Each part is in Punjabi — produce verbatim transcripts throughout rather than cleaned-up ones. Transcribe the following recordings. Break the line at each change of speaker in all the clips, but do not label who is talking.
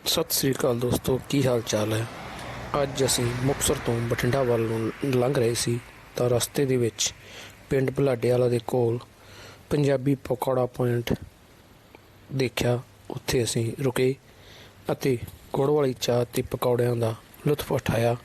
ਸਤਿ ਸ੍ਰੀ ਅਕਾਲ ਦੋਸਤੋ, ਕੀ ਹਾਲ ਚਾਲ ਹੈ। ਅੱਜ ਅਸੀਂ ਮੁਕਤਸਰ ਤੋਂ ਬਠਿੰਡਾ ਵੱਲ ਨੂੰ ਲੰਘ ਰਹੇ ਸੀ ਤਾਂ ਰਸਤੇ ਦੇ ਵਿੱਚ ਪਿੰਡ ਬੁਲਾਡੇ ਵਾਲਾ ਦੇ ਕੋਲ ਪੰਜਾਬੀ ਪਕੌੜਾ ਪੁਆਇੰਟ ਦੇਖਿਆ। ਉੱਥੇ ਅਸੀਂ ਰੁਕੇ ਅਤੇ ਗੁੜ ਵਾਲੀ ਚਾਹ ਅਤੇ ਪਕੌੜਿਆਂ ਦਾ ਲੁਤਫ ਉਠਾਇਆ।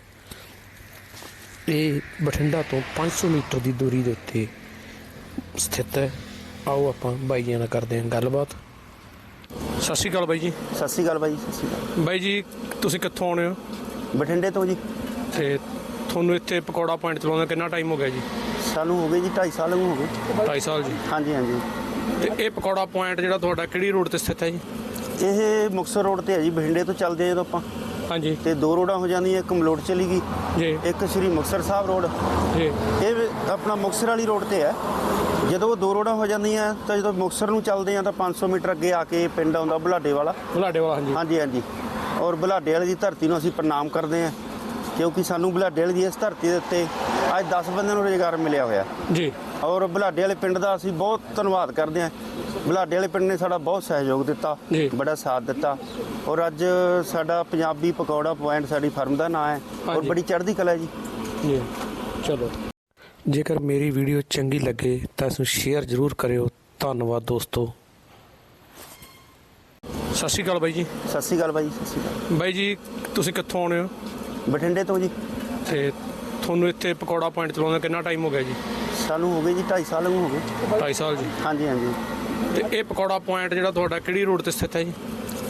ਇਹ ਬਠਿੰਡਾ ਤੋਂ ਪੰਜ ਸੌ ਮੀਟਰ ਦੀ ਦੂਰੀ ਦੇ ਉੱਤੇ ਸਥਿਤ ਹੈ। ਆਓ ਆਪਾਂ ਬਾਈਆਂ ਨਾਲ ਕਰਦੇ ਹਾਂ ਗੱਲਬਾਤ। ਸਤਿ ਸ਼੍ਰੀ ਅਕਾਲ ਬਾਈ ਜੀ।
ਸਤਿ ਸ਼੍ਰੀ ਅਕਾਲ ਬਾਈ। ਸਤਿ ਸ਼੍ਰੀ ਅਕਾਲ
ਬਾਈ ਜੀ, ਤੁਸੀਂ ਕਿੱਥੋਂ ਆਉਣੇ ਹੋ?
ਬਠਿੰਡੇ ਤੋਂ ਜੀ।
ਅਤੇ ਤੁਹਾਨੂੰ ਇੱਥੇ ਪਕੌੜਾ ਪੁਆਇੰਟ ਚਲਾਉਂਦਾ ਕਿੰਨਾ ਟਾਈਮ ਹੋ ਗਿਆ ਜੀ?
ਸਾਨੂੰ ਹੋ ਗਏ ਜੀ ਢਾਈ ਸਾਲ ਹੋ ਗਏ।
ਢਾਈ ਸਾਲ ਜੀ।
ਹਾਂਜੀ ਹਾਂਜੀ।
ਅਤੇ ਇਹ ਪਕੌੜਾ ਪੁਆਇੰਟ ਜਿਹੜਾ ਤੁਹਾਡਾ ਕਿਹੜੀ ਰੋਡ 'ਤੇ ਸਥਿਤ ਹੈ ਜੀ?
ਇਹ ਮੁਕਤਸਰ ਰੋਡ 'ਤੇ ਹੈ ਜੀ। ਬਠਿੰਡੇ ਤੋਂ ਚੱਲਦੇ ਹਾਂ ਜਦੋਂ ਆਪਾਂ,
ਹਾਂਜੀ,
ਅਤੇ ਦੋ ਰੋਡਾਂ ਹੋ ਜਾਂਦੀਆਂ, ਇੱਕ ਮਲੋਟ ਚਲੀ ਗਈ
ਜੀ,
ਇੱਕ ਸ਼੍ਰੀ ਮੁਕਤਸਰ ਸਾਹਿਬ ਰੋਡ।
ਜੀ,
ਇਹ ਆਪਣਾ ਮੁਕਤਸਰ ਵਾਲੀ ਰੋਡ 'ਤੇ ਹੈ। ਜਦੋਂ ਦੋ ਰੋਡਾਂ ਹੋ ਜਾਂਦੀਆਂ ਤਾਂ ਜਦੋਂ ਮੁਕਤਸਰ ਨੂੰ ਚੱਲਦੇ ਹਾਂ ਤਾਂ ਪੰਜ ਸੌ ਮੀਟਰ ਅੱਗੇ ਆ ਕੇ ਪਿੰਡ ਆਉਂਦਾ ਬੁਲਾਡੇ ਵਾਲਾ।
ਬੁਲਾਡੇ ਵਾਲਾ, ਹਾਂਜੀ
ਹਾਂਜੀ ਹਾਂਜੀ। ਔਰ ਬੁਲਾਡੇ ਵਾਲੀ ਦੀ ਧਰਤੀ ਨੂੰ ਅਸੀਂ ਪ੍ਰਣਾਮ ਕਰਦੇ ਹਾਂ, ਕਿਉਂਕਿ ਸਾਨੂੰ ਬੁਲਾਡੇ ਵਾਲੀ ਦੀ ਇਸ ਧਰਤੀ ਦੇ ਉੱਤੇ ਅੱਜ ਦਸ ਬੰਦਿਆਂ ਨੂੰ ਰੁਜ਼ਗਾਰ ਮਿਲਿਆ ਹੋਇਆ
ਜੀ।
ਔਰ ਬੁਲਾਡੇ ਵਾਲੇ ਪਿੰਡ ਦਾ ਅਸੀਂ ਬਹੁਤ ਧੰਨਵਾਦ ਕਰਦੇ ਹਾਂ। ਬੁਲਾਡੇ ਵਾਲੇ ਪਿੰਡ ਨੇ ਸਾਡਾ ਬਹੁਤ ਸਹਿਯੋਗ ਦਿੱਤਾ, ਬੜਾ ਸਾਥ ਦਿੱਤਾ। ਔਰ ਅੱਜ ਸਾਡਾ ਪੰਜਾਬੀ ਪਕੌੜਾ ਪੁਆਇੰਟ ਸਾਡੀ ਫਰਮ ਦਾ ਨਾਂ ਹੈ ਔਰ ਬੜੀ ਚੜ੍ਹਦੀ ਕਲਾ ਜੀ।
ਜੀ ਚਲੋ, ਜੇਕਰ ਮੇਰੀ ਵੀਡੀਓ ਚੰਗੀ ਲੱਗੇ ਤਾਂ ਇਸ ਨੂੰ ਸ਼ੇਅਰ ਜ਼ਰੂਰ ਕਰਿਓ। ਧੰਨਵਾਦ ਦੋਸਤੋ। ਸਤਿ ਸ਼੍ਰੀ ਅਕਾਲ ਬਾਈ ਜੀ।
ਸਤਿ ਸ਼੍ਰੀ ਅਕਾਲ ਬਾਈ। ਸਤਿ ਸ਼੍ਰੀ ਅਕਾਲ
ਬਾਈ ਜੀ, ਤੁਸੀਂ ਕਿੱਥੋਂ ਆਉਣੇ ਹੋ?
ਬਠਿੰਡੇ ਤੋਂ ਜੀ।
ਅਤੇ ਤੁਹਾਨੂੰ ਇੱਥੇ ਪਕੌੜਾ ਪੁਆਇੰਟ ਚਲਾਉਂਦਾ ਕਿੰਨਾ ਟਾਈਮ ਹੋ ਗਿਆ ਜੀ?
ਸਾਨੂੰ ਹੋ ਗਏ ਜੀ ਢਾਈ ਸਾਲ ਹੋ ਗਏ।
ਢਾਈ ਸਾਲ ਜੀ।
ਹਾਂਜੀ ਹਾਂਜੀ।
ਅਤੇ ਇਹ ਪਕੌੜਾ ਪੁਆਇੰਟ ਜਿਹੜਾ ਤੁਹਾਡਾ ਕਿਹੜੀ ਰੋਡ 'ਤੇ ਸਥਿਤ ਹੈ ਜੀ?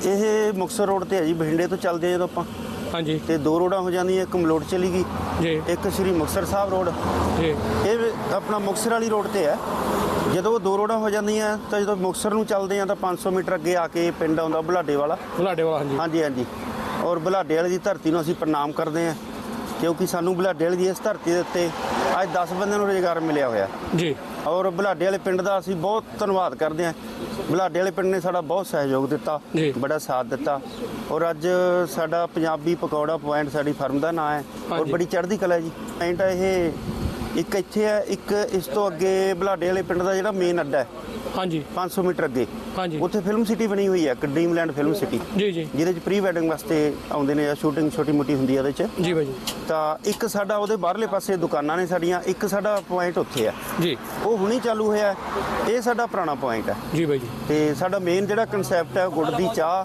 ਇਹ ਮੁਕਤਸਰ ਰੋਡ 'ਤੇ ਹੈ ਜੀ। ਬਠਿੰਡੇ ਤੋਂ ਚੱਲਦੇ ਹਾਂ ਜਦੋਂ ਆਪਾਂ,
ਹਾਂਜੀ,
ਅਤੇ ਦੋ ਰੋਡਾਂ ਹੋ ਜਾਂਦੀਆਂ, ਇੱਕ ਮਲੋਟ ਚਲੀ ਗਈ,
ਜੀ,
ਇੱਕ ਸ਼੍ਰੀ ਮੁਕਤਸਰ ਸਾਹਿਬ ਰੋਡ।
ਜੀ,
ਇਹ ਆਪਣਾ ਮੁਕਤਸਰ ਵਾਲੀ ਰੋਡ 'ਤੇ ਹੈ। ਜਦੋਂ ਦੋ ਰੋਡਾਂ ਹੋ ਜਾਂਦੀਆਂ ਤਾਂ ਜਦੋਂ ਮੁਕਤਸਰ ਨੂੰ ਚੱਲਦੇ ਹਾਂ ਤਾਂ ਪੰਜ ਸੌ ਮੀਟਰ ਅੱਗੇ ਆ ਕੇ ਪਿੰਡ ਆਉਂਦਾ ਬੁਲਾਡੇ ਵਾਲਾ।
ਬੁਲਾਡੇ ਵਾਲਾ, ਹਾਂਜੀ
ਹਾਂਜੀ ਹਾਂਜੀ। ਔਰ ਬੁਲਾਡੇ ਵਾਲੇ ਦੀ ਧਰਤੀ ਨੂੰ ਅਸੀਂ ਪ੍ਰਣਾਮ ਕਰਦੇ ਹਾਂ, ਕਿਉਂਕਿ ਸਾਨੂੰ ਬੁਲਾਡੇ ਵਾਲੇ ਦੀ ਇਸ ਧਰਤੀ ਦੇ ਉੱਤੇ ਅੱਜ ਦਸ ਬੰਦਿਆਂ ਨੂੰ ਰੁਜ਼ਗਾਰ ਮਿਲਿਆ ਹੋਇਆ
ਜੀ।
ਔਰ ਬੁਲਾਡੇ ਵਾਲੇ ਪਿੰਡ ਦਾ ਅਸੀਂ ਬਹੁਤ ਧੰਨਵਾਦ ਕਰਦੇ ਹਾਂ। ਬੁਲਾਡੇ ਵਾਲੇ ਪਿੰਡ ਨੇ ਸਾਡਾ ਬਹੁਤ ਸਹਿਯੋਗ ਦਿੱਤਾ, ਬੜਾ ਸਾਥ ਦਿੱਤਾ। ਔਰ ਅੱਜ ਸਾਡਾ ਪੰਜਾਬੀ ਪਕੌੜਾ ਪੁਆਇੰਟ ਸਾਡੀ ਫਰਮ ਦਾ ਨਾਂ ਹੈ ਔਰ ਬੜੀ ਚੜ੍ਹਦੀ ਕਲਾ ਜੀ। ਪੁਆਇੰਟ ਇਹ ਇੱਕ ਇੱਥੇ ਹੈ, ਇੱਕ ਇਸ ਤੋਂ ਅੱਗੇ ਬੁਲਾਡੇ ਵਾਲੇ ਪਿੰਡ ਦਾ ਜਿਹੜਾ ਮੇਨ ਅੱਡਾ ਹੈ, ਹਾਂਜੀ, ਪੰਜ ਸੌ ਮੀਟਰ ਅੱਗੇ, ਹਾਂਜੀ, ਉੱਥੇ ਫਿਲਮ ਸਿਟੀ ਬਣੀ ਹੋਈ ਹੈ, ਡ੍ਰੀਮਲੈਂਡ ਫਿਲਮ ਸਿਟੀ, ਜੀ ਜੀ, ਜਿਹਦੇ 'ਚ ਪ੍ਰੀ ਵੈਡਿੰਗ ਵਾਸਤੇ ਆਉਂਦੇ ਨੇ ਜਾਂ ਸ਼ੂਟਿੰਗ ਛੋਟੀ ਮੋਟੀ ਹੁੰਦੀ ਹੈ ਉਹਦੇ 'ਚ, ਜੀ ਬਾਈ ਜੀ। ਤਾਂ ਇੱਕ ਸਾਡਾ ਉਹਦੇ ਬਾਹਰਲੇ ਪਾਸੇ ਦੁਕਾਨਾਂ ਨੇ ਸਾਡੀਆਂ, ਇੱਕ ਸਾਡਾ ਪੁਆਇੰਟ ਉੱਥੇ ਹੈ ਜੀ, ਉਹ ਹੁਣੀ ਚਾਲੂ ਹੋਇਆ। ਇਹ ਸਾਡਾ ਪੁਰਾਣਾ ਪੁਆਇੰਟ ਹੈ ਜੀ ਬਾਈ ਜੀ। ਅਤੇ ਸਾਡਾ ਮੇਨ ਜਿਹੜਾ ਕਨਸੈਪਟ ਹੈ ਗੁੜ ਦੀ ਚਾਹ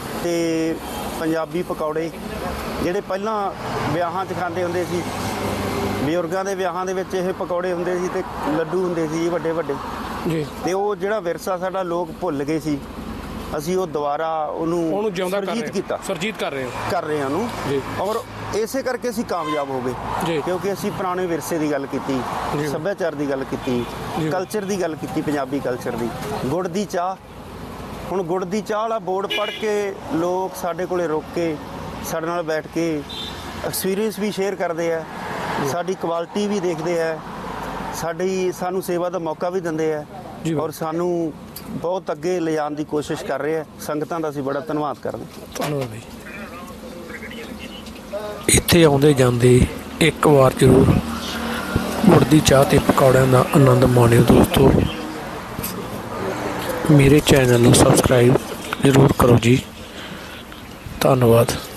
ਅਤੇ ਪੰਜਾਬੀ ਪਕੌੜੇ, ਜਿਹੜੇ ਪਹਿਲਾਂ ਵਿਆਹਾਂ 'ਚ ਖਾਂਦੇ ਹੁੰਦੇ ਸੀ, ਬਜ਼ੁਰਗਾਂ ਦੇ ਵਿਆਹਾਂ ਦੇ ਵਿੱਚ ਇਹ ਪਕੌੜੇ ਹੁੰਦੇ ਸੀ ਅਤੇ ਲੱਡੂ ਹੁੰਦੇ ਸੀ ਵੱਡੇ ਵੱਡੇ ਜੀ। ਅਤੇ ਉਹ ਜਿਹੜਾ ਵਿਰਸਾ ਸਾਡਾ ਲੋਕ ਭੁੱਲ ਗਏ ਸੀ, ਅਸੀਂ ਉਹ ਦੁਬਾਰਾ ਉਹਨੂੰ
ਉਹਨੂੰ ਜਿਉਂਦਾ
ਸੁਰਜੀਤ ਕੀਤਾ,
ਸੁਰਜੀਤ ਕਰ ਰਹੇ ਹਾਂ
ਕਰ ਰਹੇ ਹਾਂ ਉਹਨੂੰ ਜੀ। ਔਰ ਇਸੇ ਕਰਕੇ ਅਸੀਂ ਕਾਮਯਾਬ ਹੋ ਗਏ ਜੀ, ਕਿਉਂਕਿ ਅਸੀਂ ਪੁਰਾਣੇ ਵਿਰਸੇ ਦੀ ਗੱਲ ਕੀਤੀ, ਸੱਭਿਆਚਾਰ ਦੀ ਗੱਲ ਕੀਤੀ, ਕਲਚਰ ਦੀ ਗੱਲ ਕੀਤੀ, ਪੰਜਾਬੀ ਕਲਚਰ ਦੀ। ਗੁੜ ਦੀ ਚਾਹ, ਹੁਣ ਗੁੜ ਦੀ ਚਾਹ ਵਾਲਾ ਬੋਰਡ ਪੜ੍ਹ ਕੇ ਲੋਕ ਸਾਡੇ ਕੋਲੇ ਰੁਕ ਕੇ ਸਾਡੇ ਨਾਲ ਬੈਠ ਕੇ ਐਕਸਪੀਰੀਅੰਸ ਵੀ ਸ਼ੇਅਰ ਕਰਦੇ ਆ, ਸਾਡੀ ਕੁਆਲਿਟੀ ਵੀ ਦੇਖਦੇ ਆ, ਸਾਡੀ ਸਾਨੂੰ ਸੇਵਾ ਦਾ ਮੌਕਾ ਵੀ ਦਿੰਦੇ ਆ ਔਰ ਸਾਨੂੰ ਬਹੁਤ ਅੱਗੇ ਲਿਜਾਣ ਦੀ ਕੋਸ਼ਿਸ਼ ਕਰ ਰਹੇ ਆ। ਸੰਗਤਾਂ ਦਾ ਅਸੀਂ ਬੜਾ ਧੰਨਵਾਦ ਕਰਦੇ ਹਾਂ।
ਧੰਨਵਾਦ ਬਾਈ। ਇੱਥੇ ਆਉਂਦੇ ਜਾਂਦੇ ਇੱਕ ਵਾਰ ਜ਼ਰੂਰ ਗੁੜ ਦੀ ਚਾਹ ਅਤੇ ਪਕੌੜਿਆਂ ਦਾ ਆਨੰਦ ਮਾਣਿਓ ਦੋਸਤੋ। ਮੇਰੇ ਚੈਨਲ ਨੂੰ ਸਬਸਕ੍ਰਾਈਬ ਜ਼ਰੂਰ ਕਰੋ ਜੀ। ਧੰਨਵਾਦ।